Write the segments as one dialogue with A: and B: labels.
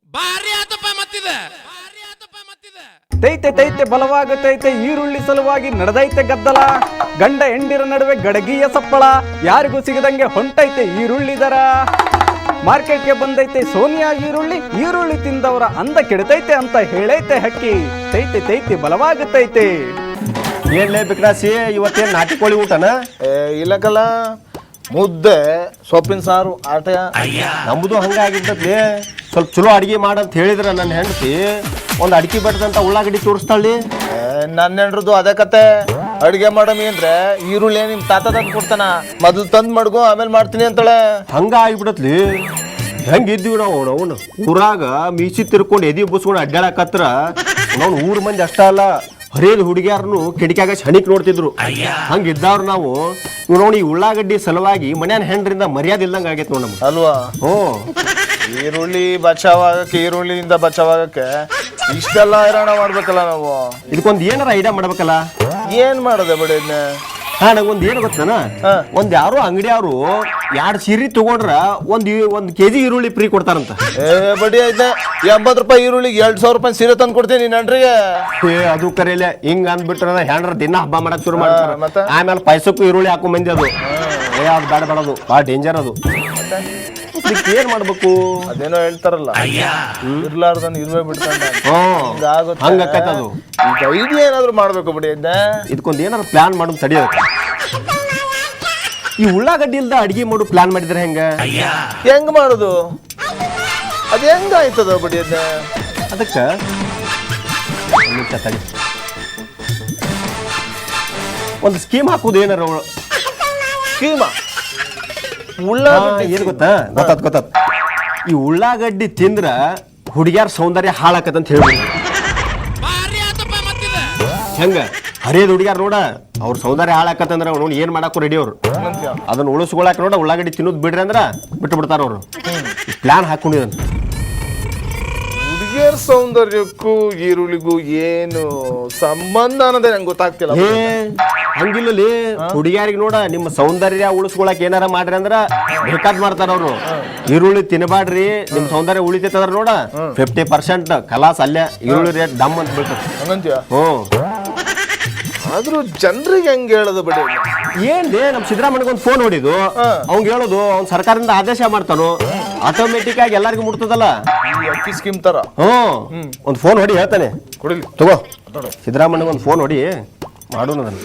A: ಭಾರಿ ಆತಪ್ಪ ಮತ್ತಿದೆ
B: ತೈತೆ ತೈತೆ ಬಲವಾಗುತ್ತೈತೆ ಈರುಳ್ಳಿ ಸಲುವಾಗಿ ನಡೆದೈತೆ ಗದ್ದಲ ಗಂಡ ಹೆಂಡಿರ ನಡುವೆ ಗಡಗಿಯ ಸಪ್ಪಳ ಯಾರಿಗೂ ಸಿಗದಂಗೆ ಹೊಂಟೈತೆ ಈರುಳ್ಳಿ ದರ ಮಾರ್ಕೆಟ್ಗೆ ಬಂದೈತೆ ಸೋನಿಯಾ ಈರುಳ್ಳಿ ತಿಂದವರ ಅಂದ ಕೆಡತೈತೆ ಅಂತ ಹೇಳೈತೆ ಹಕ್ಕಿ ತೈತೆ ತೈತೆ ಬಲವಾಗುತ್ತೈತೆ.
C: ಏನ್ಲೇ ಬಿಕ್ರಾಸಿ ಇವತ್ತೇನು ನಾಟಿ ಕೋಳಿ ಊಟನ?
D: ಇಲ್ಲಕಲ್ಲ ಮುದ್ದೆ ಸೊಪ್ಪಿನ ಸಾರು ಆಟ.
C: ನಮ್ಮದು ಹಂಗಾಗಿರ್ತದ್ಲಿ. ಸ್ವಲ್ಪ ಚಲೋ ಅಡಿಗೆ ಮಾಡಂತ ಹೇಳಿದ್ರ ನನ್ನ ಹೆಂಡತಿ ಒಂದು ಅಡಿಕೆ ಬೆಟ್ಟದಂತ ಉಳ್ಳಾಗಡ್ಡಿ ತೋರಿಸ್ತಾಳಿ.
D: ನನ್ನ ಹೆಂಡ್ರದ್ದು ಅದೇ ಕತೆ. ಅಡಿಗೆ ಮಾಡಮಿ ಅಂದ್ರೆ ಈರುಳ್ಳಿ ನಿಮ್ ತಾತ ತಂದು ಕೊಡ್ತಾನ, ಮೊದಲು ತಂದ್ ಮಡ್ಗೋ ಆಮೇಲೆ ಮಾಡ್ತೀನಿ ಅಂತಾಳೆ.
C: ಹಂಗ ಆಗಿಬಿಡತ್ಲಿ. ಹೆಂಗಿದ್ದೀವಿ ನಾವು ಊರಾಗ ಮೀಸಿ ತಿರ್ಕೊಂಡು ಎದಿ ಬಸ್ಕೊಂಡು ಅಡ್ಡಾಡಕತ್ರ ನಾವು ಊರ್ ಮಂದಿ ಅಷ್ಟ ಅಲ್ಲ ಹರಿಯದ ಹುಡುಗಿಯಾರನು ಕಿಟಕಿಯಾಗ ಶನಿಕ್ ನೋಡ್ತಿದ್ರು. ಹಂಗಿದ್ದವ್ರು ನಾವು ನೋಡಿ ಈ ಉಳ್ಳಾಗಡ್ಡಿ ಸಲುವಾಗಿ ಮನ್ಯಾನ ಹೆಂಡ್ರಿಂದ ಮರ್ಯಾದೆ ಇಲ್ದಂಗ ಆಗೈತೆ ನೋಡ್ ನಮ್ಗೆ
D: ಅಲ್ವಾ?
C: ಹ್ಞೂ.
D: ಈರುಳ್ಳಿ ಬಚಾವಾಗಕ್ಕೆ, ಈರುಳ್ಳಿಯಿಂದ ಬಚಾವಾಗಕ್ಕೆ ಇಷ್ಟೆಲ್ಲ ಹೈರಾಣ ಮಾಡ್ಬೇಕಲ್ಲ ನಾವು.
C: ಇದಕ್ಕೊಂದು ಏನಾರ ಐಡಿಯಾ ಮಾಡ್ಬೇಕಲ್ಲ.
D: ಏನ್ ಮಾಡೋದೆ ಬಿಡಿ ಇದನ್ನ.
C: ನಂಗೊಂದು ಏನು ಗೊತ್ತಾನ, ಒಂದ್ ಯಾರೋ ಅಂಗಡಿಯವರು 2 ಸೀರೆ ತಗೊಂಡ್ರ ಒಂದ್ ಕೆಜಿ ಈರುಳ್ಳಿ ಫ್ರೀ ಕೊಡ್ತಾರಂತ.
D: ಬಡಿ ಐತೆ 80 ರೂಪಾಯಿ ಈರುಳ್ಳಿಗೆ 2,000 ರೂಪಾಯಿ ಸೀರೆ ತಂದು ಕೊಡ್ತೀನಿ ನನ್ರಿಗೆ.
C: ಅದು ಕರೆಯಲ್ಲ. ಹಿಂಗ ಅಂದ್ಬಿಟ್ರ ಹೆಂಡ್ರ ದಿನ ಹಬ್ಬ ಮಾಡಕ್ ಶುರು ಮಾಡ್ತಾರ.
D: ಮತ್ತೆ
C: ಆಮೇಲೆ ಪೈಸಕ್ಕೂ ಈರುಳ್ಳಿ ಹಾಕೋ ಮಂದಿ ಅದು. ಅದು ಬೇಡ ಬೇಡದು ಭಾಳ ಡೇಂಜರ್ ಅದು. ಏನ್ ಮಾಡ್ಬೇಕು?
D: ಅದೇನೋ ಹೇಳ್ತಾರಲ್ಲ, ಇರ್ಲಾರ್ದನ್ ಇರುವೆ ಬಿಡ್ತಾನೆ.
C: ಹಂಗಾಕೈತದು.
D: ಈಗ ಐಡಿಯಾ ಏನಾದ್ರು ಮಾಡ್ಬೇಕು ಬಿಡಿ.
C: ಇದಕ್ಕೊಂದು ಏನಾದ್ರು ಪ್ಲಾನ್ ಮಾಡೋದು ತಡಿಯೋದು. ಈ ಉಳ್ಳಾಗಡ್ಡಿ ಇಲ್ದ ಅಡಿಗೆ ಮಾಡು ಪ್ಲಾನ್ ಮಾಡಿದ್ರೆ
D: ಹೆಂಗ್ ಮಾಡುದು? ಅದ್ ಹೆಂಗ ಆಯ್ತದ ಬಿಡಿ.
C: ಅದಕ್ಕ ತಡಿ ಒಂದು ಸ್ಕೀಮ್ ಹಾಕುದು. ಏನಾರ
D: ಸ್ಕೀಮ?
C: ಏನ್ ಗೊತ್ತಾತ್ ಈ ಉಳ್ಳಾಗಡ್ಡಿ ತಿಂದ್ರ ಹುಡುಗ್ಯಾರ ಸೌಂದರ್ಯ ಹಾಳಾಕತ್ತಂತ ಹೇಳ್ಬಿಡಿ. ಹೆಂಗ ಹರಿಯದ ಹುಡುಗ್ಯಾರ ನೋಡ ಅವ್ರ ಸೌಂದರ್ಯ ಹಾಳಾಕತ್ತಂದ್ರ ನೋಡಿ ಏನ್ ಮಾಡಾಕು ರೆಡಿ ಅವ್ರು. ಅದನ್ನ ಉಳಿಸ್ಕೊಳಕ್ ನೋಡ ಉಳ್ಳಾಗಡ್ಡಿ ತಿನ್ನೋದು ಬಿಡ್ರಿ ಅಂದ್ರ ಬಿಟ್ಟು ಬಿಡ್ತಾರ ಅವ್ರು. ಪ್ಲಾನ್ ಹಾಕೊಂಡಿದ್.
D: ಹುಡುಗಿಯರ ಸೌಂದರ್ಯಕ್ಕೂ ಈರುಳ್ಳಿಗೂ ಏನು ಸಂಬಂಧ ಅನ್ನೋದೇ ನಂಗೆ ಗೊತ್ತಾಗ್ತಿಲ್ಲ.
C: ಹಂಗಿಲ್ಲಲ್ಲಿ ಹುಡುಗಿಯಾರಿಗೆ ನೋಡ ನಿಮ್ಮ ಸೌಂದರ್ಯ ಉಳಿಸ್ಕೊಳಕ್ ಏನಾರ ಮಾಡ್ರಿ ಅಂದ್ರ ಬೇಕಾದ್ ಮಾಡ್ತಾರ ಅವ್ರು. ಈರುಳ್ಳಿ ತಿನ್ನಬಾಡ್ರಿ ನಿಮ್ ಸೌಂದರ್ಯ ಉಳಿತೈತಂದ್ರ ನೋಡ 50% ಕಲಾಸ್ ಅಲ್ಲೇ ಈರುಳ್ಳಿ ರೇಟ್ ಡಮ್ ಅಂತ ಬೀಳ್ತದೆ.
D: ಆದ್ರೂ ಜನರಿಗೆ ಹೆಂಗ್ ಹೇಳೋದು ಬಿಡಿ.
C: ಏನ್ಲೇ ನಮ್ ಸಿದ್ದರಾಮಯ್ಯಗೆ ಒಂದು ಫೋನ್ ಹೊಡಿದು ಅವ್ನ್ ಹೇಳೋದು ಅವ್ನ್ ಸರ್ಕಾರದಿಂದ ಆದೇಶ ಮಾಡ್ತಾನು, ಆಟೋಮೆಟಿಕ್ ಆಗಿ ಎಲ್ಲರಿಗೂ ಮುಟ್ತದಲ್ಲ.
D: ಅಕ್ಕಿ ಸ್ಕೀಮ್ ತರ.
C: ಒಂದ್ ಫೋನ್ ಹೊಡಿ ಹೇಳ್ತಾನೆ.
D: ಕೊಡಿಲಿ
C: ತಗೋ ಸಿದ್ದರಾಮಯ್ಯಗೆ ಒಂದು ಫೋನ್ ಹೊಡಿ ಮಾಡೋಣ ಅದನ್ನ.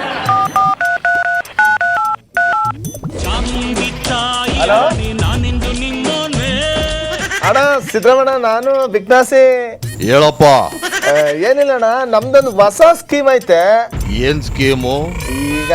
D: ಹಲೋ ಅಣ್ಣ, ಸಿದ್ದರಾಮಯ್ಯ ನಾನು ಬಿಗ್ನಾಸಿ.
E: ಹೇಳಪ್ಪ.
D: ಏನಿಲ್ಲ ಅಣ್ಣ, ನಮ್ದೊಂದು ಹೊಸ ಸ್ಕೀಮ್ ಐತೆ.
E: ಏನ್ ಸ್ಕೀಮು?
D: ಈಗ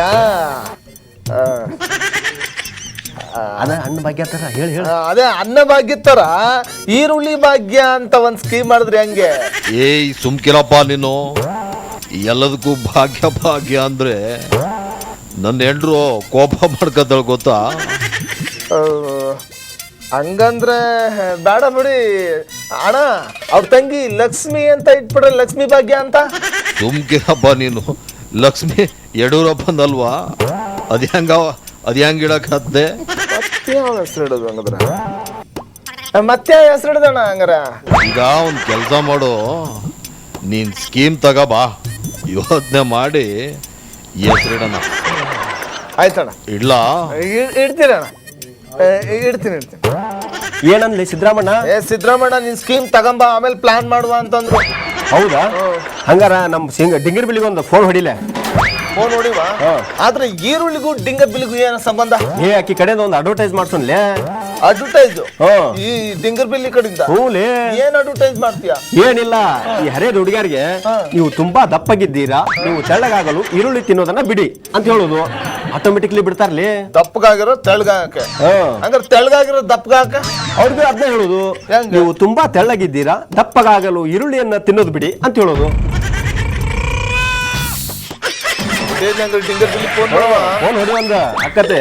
C: ಅದ ಅನ್ನ ಭಾಗ್ಯ ತರ ಹೇಳಿ ಹೇಳಿ.
D: ಅದೇ ಅನ್ನ ಭಾಗ್ಯ ತರ ಈರುಳ್ಳಿ ಭಾಗ್ಯ ಅಂತ ಒಂದ್ ಸ್ಕೀಮ್ ಮಾಡಿದ್ರಿ ಹಂಗೆ.
E: ಏಯ್ ಸುಮ್ಕಿರಪ್ಪ ನೀನು. ಎಲ್ಲದಕ್ಕೂ ಭಾಗ್ಯ ಭಾಗ್ಯ ಅಂದ್ರೆ ನನ್ನ ಹೆಂಡ್ರು ಕೋಪ ಮಾಡ್ಕೊತಾಳ ಗೊತ್ತಾ?
D: ಹಂಗಂದ್ರೆ ಬೇಡ ಬಿಡಿ ಅಣ್ಣ. ಅವ್ರ ತಂಗಿ ಲಕ್ಷ್ಮಿ ಅಂತ ಇಟ್ಬಿಡ್ರಿ, ಲಕ್ಷ್ಮಿ ಭಾಗ್ಯ ಅಂತ.
E: ಸುಮ್ಕಿರಪ್ಪ ನೀನು. ಲಕ್ಷ್ಮಿ ಯಡಿಯೂರಪ್ಪಂದಲ್ವಾ? ಅದ್ ಹೆಂಗ್ ಇಡಕತ್ತೆ?
D: ಮತ್ತೆ ಯಾವ ಹೆಸರು ಇಡೋದು ಹಂಗಂದ್ರ? ಮತ್ತೆ ಹೆಸರು ಇಡೋದಣ್ಣ ಹಂಗಾರ?
E: ಈಗ ಒಂದ್ ಕೆಲ್ಸ ಮಾಡು, ನೀನ್ ಸ್ಕೀಮ್ ತಗಬಾ, ಯೋಚನೆ ಮಾಡಿ ಹೆಸರಿಡೋಣ.
D: ಆಯ್ತಣ್ಣ,
E: ಇಡ್ಲಾ?
D: ಇಡ್ತೀರಣ್ಣ, ಇಡ್ತೀನಿ.
C: ಏನಂದ್ಲಿ ಸಿದ್ದರಾಮಣ್ಣ?
D: ಸಿದ್ದರಾಮಣ್ಣ ನಿನ್ ಸ್ಕೀಮ್ ತಗೊಂಬ, ಆಮೇಲೆ ಪ್ಲಾನ್ ಮಾಡುವ ಅಂತಂದ್ರು.
C: ಹೌದಾ? ಹಂಗಾರ ನಮ್ ಡಿಂಗರ್ ಬಿಲ್ಲಿಗೆ ಒಂದು ಫೋನ್ ಹೊಡಿಲೆ.
D: ಫೋನ್ ನೋಡಿವಾ? ಆದ್ರೆ ಈರುಳ್ಳಿಗೂ ಡಿಂಗರ್ ಬಿಲ್ಲಿಗೂ ಏನ ಸಂಬಂಧ?
C: ಆಕಿ ಕಡೆಯಿಂದ ಒಂದು ಅಡ್ವರ್ಟೈಸ್ ಮಾಡ್ಸೋನ್ಲೆ.
D: ಅಡ್ವರ್ಟೈಸ್? ಈ ಡಿಂಗರ್ ಬಿಲ್ಲಿ ಕಡೆಯಿಂದ?
C: ಹೂಲೇ.
D: ಏನ್ ಅಡ್ವರ್ಟೈಸ್ ಮಾಡ್ತೀಯಾ?
C: ಏನಿಲ್ಲ, ಈ ಹರಿಯದ ಹುಡುಗಿಯರಿಗೆ ನೀವು ತುಂಬಾ ದಪ್ಪಗಿದ್ದೀರಾ, ನೀವು ತೆಳ್ಳಗಾಗಲು ಈರುಳ್ಳಿ ತಿನ್ನೋದನ್ನ ಬಿಡಿ ಅಂತ ಹೇಳೋದು. ಆಟೋಮೆಟಿಕ್ಲಿ ಬಿಡ್ತಾರ್ಲಿ.
D: ದಪ್ಪಗಾಗಿರೋ ತೆಳ್ಳಗಾಗಕ್ಕೆ. ಹಂಗಾರೆ ತೆಳ್ಳಗಾಗಿರೋ ದಪ್ಪಗಾಕ
C: ಅವ್ರಿಗೆ ಅದನ್ನ ಹೇಳೋದು. ನೀವು ತುಂಬಾ ತೆಳ್ಳಗಿದ್ದೀರಾ, ದಪ್ಪಗಾಗಲು ಈರುಳ್ಳಿಯನ್ನ ತಿನ್ನೋದು ಬಿಡಿ ಅಂತ ಹೇಳೋದು.
D: ಡಿಂಗರ್ ಬಿಲ್ಲಿ ಫೋನ್
C: ಹೊಡಿ ಅಂದ ಅಕ್ಕತೆ.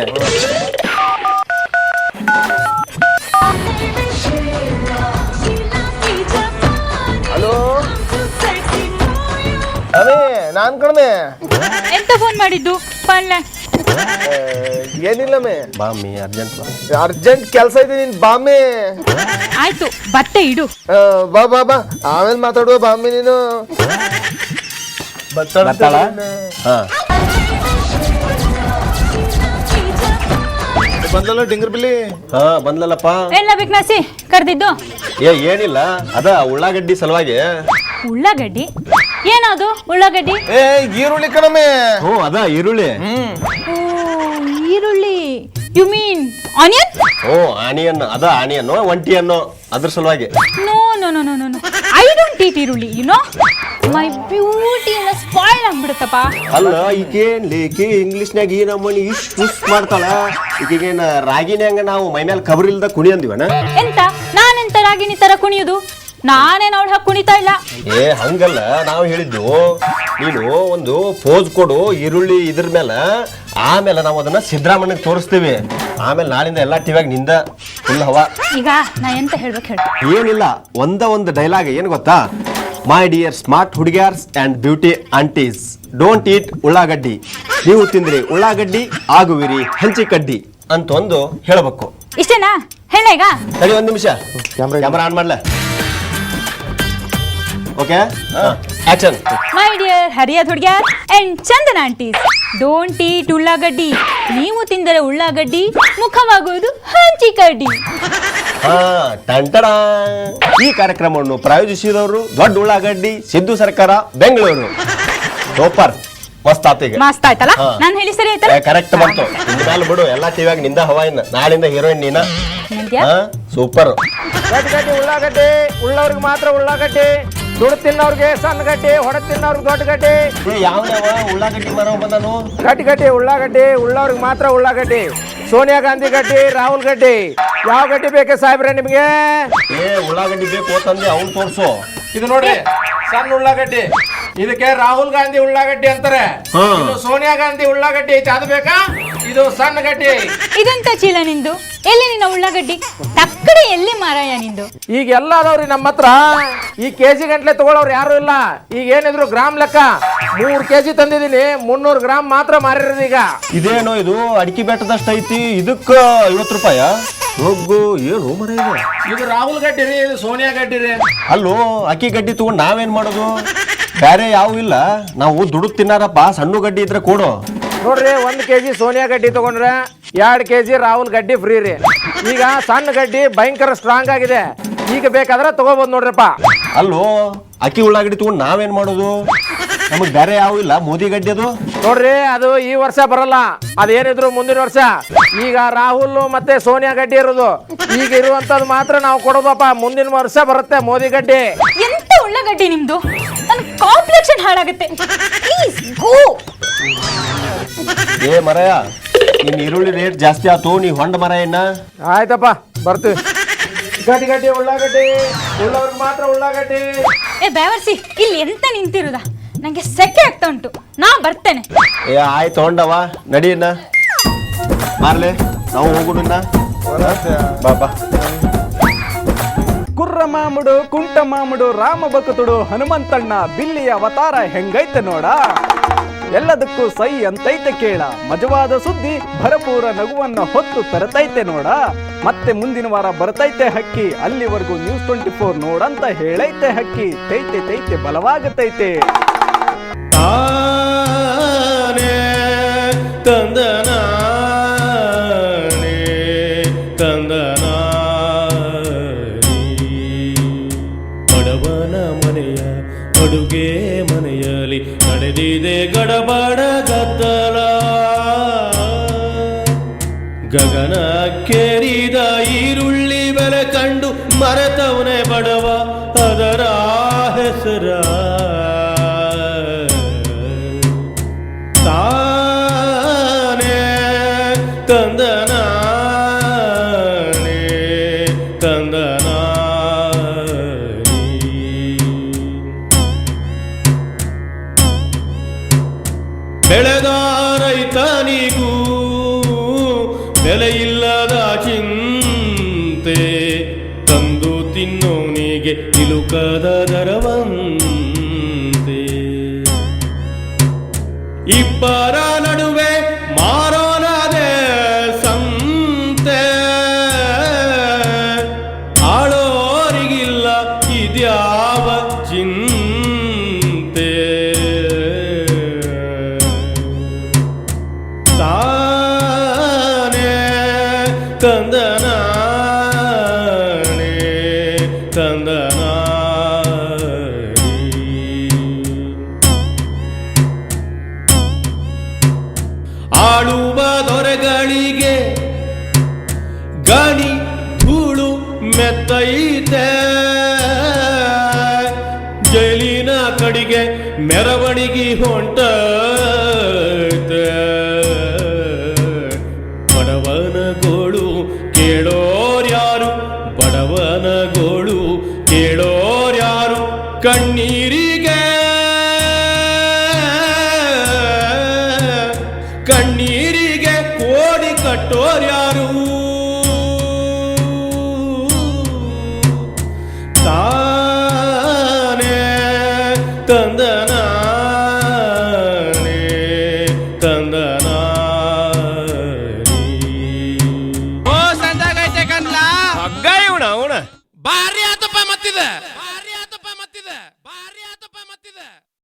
D: ಹಲೋ ಅವೇ, ನಾನ್ ಕಣಮೆ.
F: ಎಂತ ಫೋನ್ ಮಾಡಿದ್ದು? ಪಲ್ಲೆ
D: ಏನಿಲ್ಲಮ್ಮೆ
C: ಬಾಮಿ ಅರ್ಜೆಂಟ್
D: ಅರ್ಜೆಂಟ್ ಕೆಲಸ ಇದೆ ನೀನ್ ಬಾಮೆ
A: ಆಯ್ತು ಬಟ್ಟೆ ಇಡು.
D: ಬಾ ಬಾ ಬಾ ಆಮೇಲೆ ಮಾತಾಡುವ ಬಾಮಿ ನೀನು
C: ಬರ್ತಾಳ ಹಾ
D: ಬಂದಲ್ಲ ಡಿಂಗರ್ ಬಿಲ್ಲಿ
C: ಹಾ ಬಂದ್ಲಲ್ಲಪ್ಪ.
A: ಎಲ್ಲ ಬಿಕ್ನಾಸಿ ಕರ್ದಿದ್ದು
C: ಏನಿಲ್ಲ ಅದ ಉಳ್ಳಾಗಡ್ಡಿ ಸಲುವಾಗಿ.
A: ಉಳ್ಳಾಗಡ್ಡಿ ಏನದು ಉಳ್ಳಾಗಡ್ಡಿ?
D: ಏ ಈರುಳ್ಳಿ ಕಣಮೆ.
C: ಹ್ಞೂ ಅದ ಈರುಳ್ಳಿ.
A: ಓ ಈರುಳ್ಳಿ you mean onion?
C: Oh onion ಅದ ಆನಿಯನ್ ಒಂಟಿಯನ್ನು ಅದ್ರ ಸಲುವಾಗಿ.
A: No no no no no I don't eat eerulli you know my beauty ಎಲ್ಲ ಸ್ಪಾಯ್ಲ್ ಆಗ್ಬಿಡುತ್ತಪ್ಪ.
C: ಅಲ್ಲ ಈಕೇನ್ಲಿ ಇಂಗ್ಲಿಷ್ನ್ಯಾಗ ಈ ನಮ್ಮನಿ ಇಷ್ಟು ಮಾಡ್ತಾಳ. ಈಗೇನ ರಾಗಿನ್ಯಾಂಗ ನಾವು ಮೈ ಮೇಲೆ ಕಬರ್ ಇಲ್ದ ಕುಣಿ ಅಂದಿವನ.
A: ಎಂತ ನಾನೆಂತ ರಾಗಿಣಿ ತರ ಕುಣಿಯುದು? ನಾನೇನ್ ಅವಳ ಹಾಕಿ ಕುಣಿತಾ ಇಲ್ಲ.
C: ಏ ಹಂಗಲ್ಲ ನಾವು ಹೇಳಿದ್ದು ನೀನು ಒಂದು ಪೋಸ್ ಕೊಡು ಈರುಳ್ಳಿ ಇದ್ರ ಮೇಲೆ, ಆಮೇಲೆ ನಾವು ಅದನ್ನ ಸಿದ್ದರಾಮಣ್ಣಗೆ ತೋರಿಸ್ತೀವಿ. ಆಮೇಲೆ ನಾಳಿಂದ ಎಲ್ಲಾ ಟಿವಿಯಾಗ ನಿಂದ ಫುಲ್ ಹವಾ.
A: ಈಗ ನಾ ಎಂತ ಹೇಳ್ಬೇಕು ಹೇಳಿ?
C: ಏನಿಲ್ಲ ಒಂದು ಡೈಲಾಗ್ ಏನು ಗೊತ್ತಾ? ಮೈ ಡಿಯರ್ ಸ್ಮಾರ್ಟ್ ಹುಡುಗ್ಯಾರ್ಸ್ and beauty aunties, don't eat ullagaddi. ನೀವು ತಿಂದ್ರಿ ಉಳ್ಳಾಗಡ್ಡಿ ಆಗುವಿರಿ ಹಂಚಿ ಕಡ್ಡಿ ಅಂತ ಒಂದು ಹೇಳಬೇಕು.
A: ಇಷ್ಟೇನಾ? ಹೇಳ ಈಗ.
C: ಸರಿ ಒಂದ್ ನಿಮಿಷ ಕ್ಯಾಮ್ರಾ ಆನ್ ಮಾಡ್ಲ. Okay action.
A: ಮೈ ಡಿಯರ್ ಹರಿಯದ್ ಹುಡುಗ್ಯಾರ್ ಅಂಡ್ ಚಂದನ ಆಂಟೀಸ್, ಡೋಂಟ್ ಈಟ್ ಉಳ್ಳಾಗಡ್ಡಿ. ನೀವು ತಿಂದರೆ ಉಳ್ಳಾಗಡ್ಡಿ ಮುಖವಾಗುವುದು ಹಂಚಿಕಡ್ಡಿ.
C: ಹಾ ಟಂಟಡ. ಈ ಕಾರ್ಯಕ್ರಮವನ್ನು ಪ್ರಾಯೋಜಿಸಿದವರು ದೊಡ್ಡ ಉಳ್ಳಾಗಡ್ಡಿ ಸಿದ್ದು ಸರ್ಕಾರ ಬೆಂಗಳೂರು. ಸೂಪರ್ ಮಸ್ತ್ ಆತ. ಈಗ
A: ಮಸ್ತ್ ಆಯ್ತಲ್ಲ? ನಾನು ಹೇಳಿ ಸರಿ ಆಯ್ತಲ್ಲ?
C: ಕರೆಕ್ಟ್ ಬಂತು. ಇನ್ಮೇಲೆ ಬಿಡು ಎಲ್ಲಾ ಟಿವಿಯಾಗ ನಿಂದ ಹವಾ. ಇನ್ನ ನಾಳಿಂದ ಹೀರೋಯಿನ್ ನೀನ.
A: ನಂದ್ಯಾ?
C: ಸೂಪರ್.
B: ಗಡ್ಡಿ ಉಳ್ಳಾಗಡ್ಡಿ ಉಳ್ಳವ್ರಿಗೆ ಮಾತ್ರ ಉಳ್ಳಾಗಡ್ಡಿ, ದುಡ್ಡು ತಿನ್ನೋರ್ಗೆ ಸಣ್ಣ ಗಡ್ಡಿ, ಹೊಡ ತಿನ್ನೋರ್ಗೆ ದೊಡ್ಡ ಗಡ್ಡಿ.
C: ಯಾವ ಉಳ್ಳಾಗಡ್ಡಿ ಮರ ಬಂದಾನು?
B: ಗಡ್ಡಿ ಉಳ್ಳಾಗಡ್ಡಿ ಉಳ್ಳವ್ರಿಗೆ ಮಾತ್ರ ಉಳ್ಳಾಗಡ್ಡಿ. ಸೋನಿಯಾ ಗಾಂಧಿ ಗಡ್ಡಿ, ರಾಹುಲ್ ಗಡ್ಡಿ, ಯಾವ ಗಡ್ಡಿ ಬೇಕೆ ಸಾಹೇಬ್ರೆ ನಿಮ್ಗೆ?
C: ಏ ಉಳ್ಳಾಗಡ್ಡಿ ಬೇಕು ಅಂತಂದ್ರೆ ಅವ್ನು ತೋರ್ಸು.
B: ಇದು ನೋಡ್ರಿ ಸಣ್ಣ ಉಳ್ಳಾಗಡ್ಡಿ, ಇದಕ್ಕೆ ರಾಹುಲ್ ಗಾಂಧಿ ಉಳ್ಳಾಗಡ್ಡಿ ಅಂತಾರೆ. ಇದು ಸೋನಿಯಾ ಗಾಂಧಿ ಉಳ್ಳಾಗಡ್ಡಿ ಐತೆ, ಅದು ಬೇಕಾ? ಇದು ಸಣ್ಣ ಗಡ್ಡಿ.
A: ಇದೆಂತ ಚೀಲ ನಿಂದು? ಎಲ್ಲಿ ನಿನ್ನ ಉಳ್ಳಾಗಡ್ಡಿ? ತಕ್ಕಡಿ ಎಲ್ಲಿ ಮಾರಾಯ ನಿಂದು?
B: ಈಗ ಎಲ್ಲ ಅದಾವ್ರಿ ನಮ್ಮ ಹತ್ರ. ಈ ಕೆಜಿ ಗಂಟ್ಲೆ ತಗೊಳ್ಳೋರು ಯಾರು ಇಲ್ಲ. ಈಗ ಏನಿದ್ರು ಗ್ರಾಮ್ ಲೆಕ್ಕ 3 ಕೆಜಿ ತಂದಿದ್ದೀನಿ, 300 ಗ್ರಾಮ್ ಮಾತ್ರ ಮಾರಿರೋದು ಈಗ.
C: ಇದೇನೋ ಇದು ಅಡಿಕೆ ಬೆಟ್ಟದಷ್ಟು ಐತಿ, ಇದಕ್ಕ 50 ರೂಪಾಯ? ಹೋಗು ಏನು ಮರ ಇದು?
B: ಇದು ರಾಹುಲ್ ಗಡ್ಡಿ ರೀ, ಇದು ಸೋನಿಯಾ ಗಡ್ಡಿ ರೀ.
C: ಅಲ್ಲೋ ಅಕ್ಕಿ ಗಡ್ಡಿ ತಗೊಂಡು ನಾವೇನ್ ಮಾಡೋದು? ಬೇರೆ ಯಾವ ಇಲ್ಲ, ನಾವು ದುಡ್ಡು ತಿನ್ನಾರಪ್ಪ. ಸಣ್ಣ ಗಡ್ಡಿ ಇದ್ರೆ ಕೊಡು.
B: ನೋಡ್ರಿ 1 ಕೆಜಿ ಸೋನಿಯಾ ಗಡ್ಡಿ ತಗೊಂಡ್ರೆ 2 ಕೆಜಿ ರಾಹುಲ್ ಗಡ್ಡಿ ಫ್ರೀ ರೀ. ಈಗ ಸಣ್ಣ ಗಡ್ಡಿ ಭಯಂಕರ ಸ್ಟ್ರಾಂಗ್ ಆಗಿದೆ, ಈಗ ಬೇಕಾದ್ರೆ ತಗೋಬಹುದು ನೋಡ್ರಪ್ಪ.
C: ಅಲ್ಲೋ ಅಕ್ಕಿ ಉಳ್ಳಾಗಡ್ಡಿ ತಗೊಂಡು ನಾವೇನ್ ಮಾಡೋದು? ನಮಗ್ ಬೇರೆ ಯಾವ ಇಲ್ಲ. ಮೋದಿ ಗಡ್ಡಿ ಅದು
B: ನೋಡ್ರಿ, ಅದು ಈ ವರ್ಷ ಬರಲ್ಲ, ಅದೇನಿದ್ರು ಮುಂದಿನ ವರ್ಷ. ಈಗ ರಾಹುಲ್ ಮತ್ತೆ ಸೋನಿಯಾ ಗಡ್ಡಿ ಇರೋದು, ಈಗ ಇರುವಂತದ್ದು ಮಾತ್ರ ನಾವು ಕೊಡೋದಪ್ಪ. ಮುಂದಿನ ವರ್ಷ ಬರುತ್ತೆ ಮೋದಿ ಗಡ್ಡಿ.
A: ಎಂತ ಉಳ್ಳಾಗಡ್ಡಿ ನಿಮ್ದು? ನನ್ನ ಕಾಂಪ್ಲೆಕ್ಷನ್ ಹಾಳಾಗುತ್ತೆ. Please go.
C: ಏ ಮರಯ, ನಿನ್ ಈರುಳ್ಳಿ ರೇಟ್ ಜಾಸ್ತಿ ಆತು. ನೀ ಹೊಂಡ ಮರ ಏನ?
B: ಆಯ್ತಪ್ಪ ಬರ್ತೀವಿ. ಗಡ್ಡಿ ಉಳ್ಳಾಗಡ್ಡಿ ಉಳ್ಳವ್ರಿಗೆ ಮಾತ್ರ ಉಳ್ಳಾಗಡ್ಡಿ.
A: ಏ ಬೇವರ್ಸಿ, ಇಲ್ಲಿ ಎಂತ ನಿಂತಿರುದ? ನಂಗೆ ಸೆಕೆ ಆಗ್ತಾ ಉಂಟು, ನಾ ಬರ್ತೇನೆ.
C: ಏ ಆಯ್ತು ಹೊಂಡವ ನಡಿಯನ್ನ ಮಾರ್ಲೆ, ನಾವು ಹೋಗುಣ. ಬಾಬಾ.
B: ಕುರ್ರ ಮಾಮುಡು ಕುಂಟ ಮಾಮುಡು ರಾಮ ಭಕ್ತುಡು ಹನುಮಂತಣ್ಣ ಬಿಲ್ಲಿಯ ಅವತಾರ ಹೆಂಗೈತೆ ನೋಡ. ಎಲ್ಲದಕ್ಕೂ ಸೈ ಅಂತೈತೆ ಕೇಳ, ಮಜವಾದ ಸುದ್ದಿ ಭರಪೂರ ನಗುವನ್ನ ಹೊತ್ತು ತರತೈತೆ ನೋಡ. ಮತ್ತೆ ಮುಂದಿನ ವಾರ ಬರ್ತೈತೆ ಹಕ್ಕಿ, ಅಲ್ಲಿವರೆಗೂ ನ್ಯೂಸ್ 24 ನೋಡಂತ ಹೇಳೈತೆ ಹಕ್ಕಿ. ತೈತೆ ತೈತೆ ಬಲವಾಗತೈತೆ.
F: ಬಡವನ ಮನೆಯ ಅಡುಗೆ ಮನೆಯಲ್ಲಿ ನಡೆದಿದೆ ಗಡಬಡ ಗದ್ದಲ. ಗಗನ ಕೇರಿದ ಈರುಳ್ಳಿ ಬೆಲೆ ಕಂಡು ಮರೆತವನೇ ಬಡವ, ಅದರ ಹೆಸರ ತಾನೇ ತಂದನಾನೇ ತಂದನಾನೇ. ಬೆಳೆದ ರೈತನಿಗೂ ಬೆಲೆಯಿಲ್ಲದ ಚಿಂತೆ, ತಂದು ತಿನ್ನೋನಿಗೆ ಇಲುಕದ ದರವಂತೆ. ಇಬ್ಬರ ನಡುವೆ ಮಾರೋ ತಂದನಾನೇ ತಂದನಾನೇ. ಆಳುವ ದೊರೆಗಳಿಗೆ ಗಣಿ ಧೂಳು ಮೆತ್ತೈತೆ, ಜೈಲಿನ ಕಡೆಗೆ ಮೆರವಣಿಗೆ ಹೊಂಟೈತೆ. ಬಡವನ ಗೋಳು ಕೇಳೋರ್ಯಾರು, ಬಡವನ ಗೋಳು ಕೇಳೋರ್ಯಾರು, ಕಣ್ಣೀರಿಗೆ ಕಣ್ಣೀರಿಗೆ ಕೋಡಿ ಕಟ್ಟೋರ್ಯಾರು. ತಾನೇ ತಂದನಾನೇ ತಂದನಾನೇ.
G: ಓ ಸಂಜಾಗೈತೆ ಕನ್ಲ
F: ಹಗ್ಗ ಇವಣ
G: ಭಾರಿ ಆತಪ್ಪ ಮತ್ತಿದೆ.